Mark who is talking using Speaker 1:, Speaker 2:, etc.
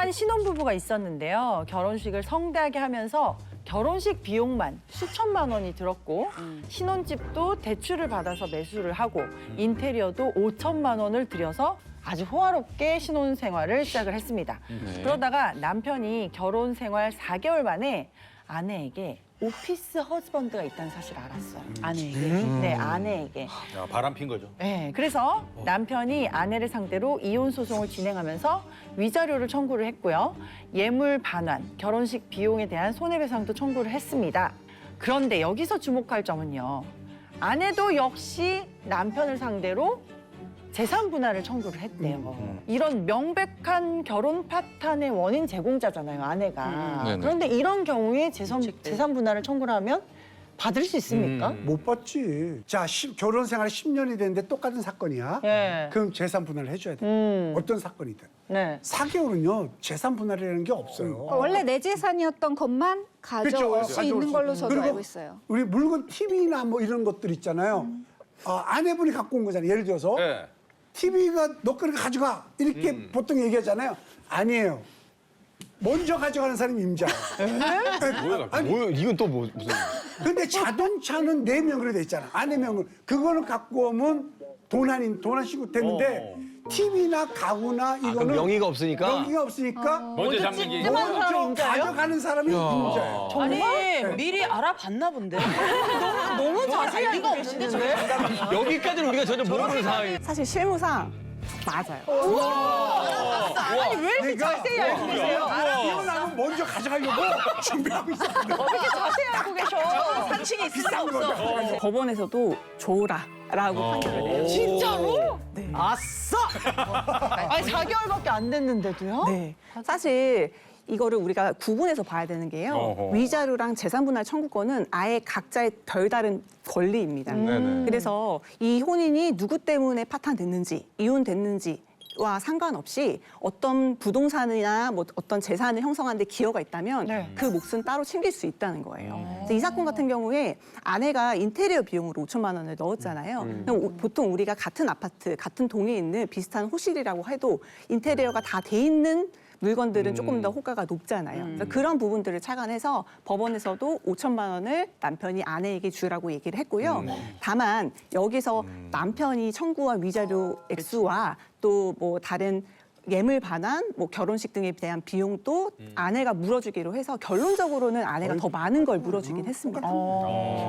Speaker 1: 한 신혼부부가 있었는데요. 결혼식을 성대하게 하면서 결혼식 비용만 수천만 원이 들었고 신혼집도 대출을 받아서 매수를 하고 인테리어도 5천만 원을 들여서 아주 호화롭게 신혼생활을 시작을 했습니다. 그러다가 남편이 결혼 생활 4개월 만에 아내에게 오피스 허즈번드가 있다는 사실을 알았어요. 아내에게? 네, 아내에게.
Speaker 2: 야, 바람 핀 거죠.
Speaker 1: 네, 그래서 남편이 아내를 상대로 이혼 소송을 진행하면서 위자료를 청구를 했고요. 예물 반환, 결혼식 비용에 대한 손해배상도 청구를 했습니다. 그런데 여기서 주목할 점은요. 아내도 역시 남편을 상대로 재산 분할을 청구를 했대요. 이런 명백한 결혼 파탄의 원인 제공자잖아요, 아내가.
Speaker 3: 네네.
Speaker 1: 그런데 이런 경우에 재산 분할을 청구를 하면 받을 수 있습니까?
Speaker 4: 못 받지. 자, 결혼 생활 10년이 됐는데 똑같은 사건이야.
Speaker 1: 네.
Speaker 4: 그럼 재산 분할을 해줘야 돼. 어떤 사건이든.
Speaker 1: 네.
Speaker 4: 4개월은요, 재산 분할이라는 게 없어요.
Speaker 5: 원래 내 재산이었던 것만 가져올 수 있는 걸로 저도
Speaker 4: 그리고
Speaker 5: 알고 있어요.
Speaker 4: 우리 물건 TV나 뭐 이런 것들 있잖아요. 아내분이 갖고 온 거잖아요. 예를 들어서
Speaker 2: 네.
Speaker 4: TV가 너 거를 가져가 이렇게 보통 얘기하잖아요. 아니에요. 먼저 가져가는 사람이 임자예요.
Speaker 3: 뭐야? 이건 또 무슨?
Speaker 4: 근데 자동차는 내 명의로 돼 있잖아. 아내 명의로. 그거는 갖고 오면 도난 신고 되는데 TV나 가구나 이거는
Speaker 3: 그럼 명의가 없으니까?
Speaker 4: 명의가 없으니까
Speaker 2: 먼저 잡는 게
Speaker 1: 찜찜한 사람이
Speaker 4: 먼저
Speaker 1: 임자예요?
Speaker 4: 가져가는 사람이 임자예요.
Speaker 6: 아니 미리 알아봤나 본데. 너무 자세히 알고 계시는데 저희
Speaker 3: 여기까지는 우리가 전혀 모르는 상황이.
Speaker 7: 사실 실무상 맞아요.
Speaker 1: 아니 왜 이렇게 자세히 알고 계세요?
Speaker 4: 이혼하면 먼저 가져가려고 준비하고 있었는데.
Speaker 1: 이렇게 자세히 알고 계셔.
Speaker 6: 상식이 있을 수 없어.
Speaker 7: 법원에서도 줘라라고 판결을 내요.
Speaker 1: 진짜로?
Speaker 7: 네.
Speaker 1: 아싸! 아니 4개월밖에 안 됐는데도요?
Speaker 7: 네. 사실 이거를 우리가 구분해서 봐야 되는 게요.
Speaker 2: 어허.
Speaker 7: 위자료랑 재산분할 청구권은 아예 각자의 별다른 권리입니다. 그래서 이 혼인이 누구 때문에 파탄됐는지, 이혼됐는지와 상관없이 어떤 부동산이나 뭐 어떤 재산을 형성하는 데 기여가 있다면
Speaker 1: 네.
Speaker 7: 그 몫은 따로 챙길 수 있다는 거예요. 그래서 이 사건 같은 경우에 아내가 인테리어 비용으로 5천만 원을 넣었잖아요. 그럼 보통 우리가 같은 아파트, 같은 동에 있는 비슷한 호실이라고 해도 인테리어가 다 돼 있는 물건들은 조금 더 호가가 높잖아요. 그래서 그런 부분들을 착안해서 법원에서도 5천만 원을 남편이 아내에게 주라고 얘기를 했고요. 다만 여기서 남편이 청구한 위자료 액수와 또 뭐 다른 예물 반환, 뭐 결혼식 등에 대한 비용도 아내가 물어주기로 해서 결론적으로는 아내가 더 많은 걸 물어주긴 했습니다.